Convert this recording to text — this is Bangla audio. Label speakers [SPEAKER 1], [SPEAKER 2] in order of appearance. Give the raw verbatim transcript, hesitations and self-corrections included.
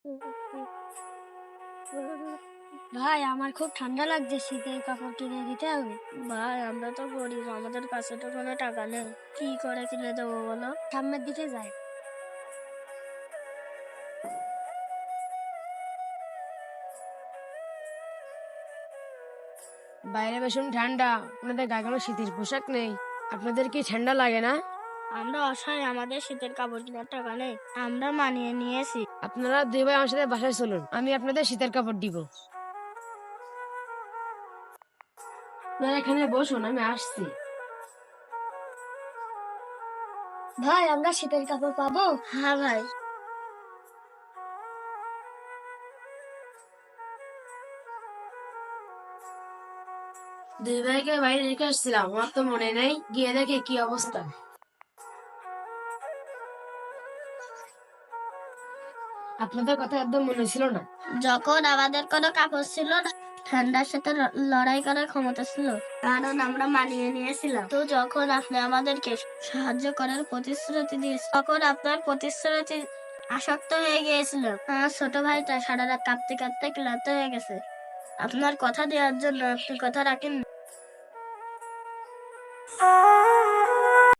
[SPEAKER 1] ভাই, আমার খুব ঠান্ডা লাগছে, শীতের কাপড় কিনে দিতে হবে।
[SPEAKER 2] ভাই আমরা তো গরিব, আমাদের কাছে তো কোনো টাকা নেই, কি করে কিনে দেবো বলো?
[SPEAKER 1] সামনের দিকে যাই।
[SPEAKER 3] বাইরে ভীষণ ঠান্ডা, আপনাদের গায়ে কোনো শীতের পোশাক নেই। আপনাদের কি ঠান্ডা লাগে না?
[SPEAKER 2] আমরা অসহায়, আমাদের শীতের কাপড় কেনার টাকা নেই, আমরা মানিয়ে নিয়েছি।
[SPEAKER 3] আপনারা দুই ভাই আমার সাথে বাসায় চলুন, আমি আপনাদের শীতের কাপড় দিব। আপনারা এখানে বসুন, আমি আসছি।
[SPEAKER 1] ভাই, আমরা শীতের কাপড় পাবো?
[SPEAKER 2] হ্যাঁ ভাই।
[SPEAKER 3] দুই ভাইকে বাইরে রেখে আসছিলাম, আমার তো মনে নেই, গিয়ে দেখে কি অবস্থা। আপনাদের কথা একদম মনে ছিল না।
[SPEAKER 2] যখন আমাদের কোনো কাপড় ছিল না, ঠান্ডার সাথে ল- লড়াই করার ক্ষমতা ছিল, কারণ আমরা মানিয়ে নিয়েছিলাম। তো যখন আপনি আমাদেরকে সাহায্য করার প্রতিশ্রুতি দিয়েছেন, তখন আপনার প্রতিশ্রুতি আসক্ত হয়ে গিয়েছিল। আমার ছোট ভাইটা সারা রাত কাঁদতে কাঁদতে ক্লান্ত হয়ে গেছে। আপনার কথা দেওয়ার জন্য আপনি কথা রাখেন।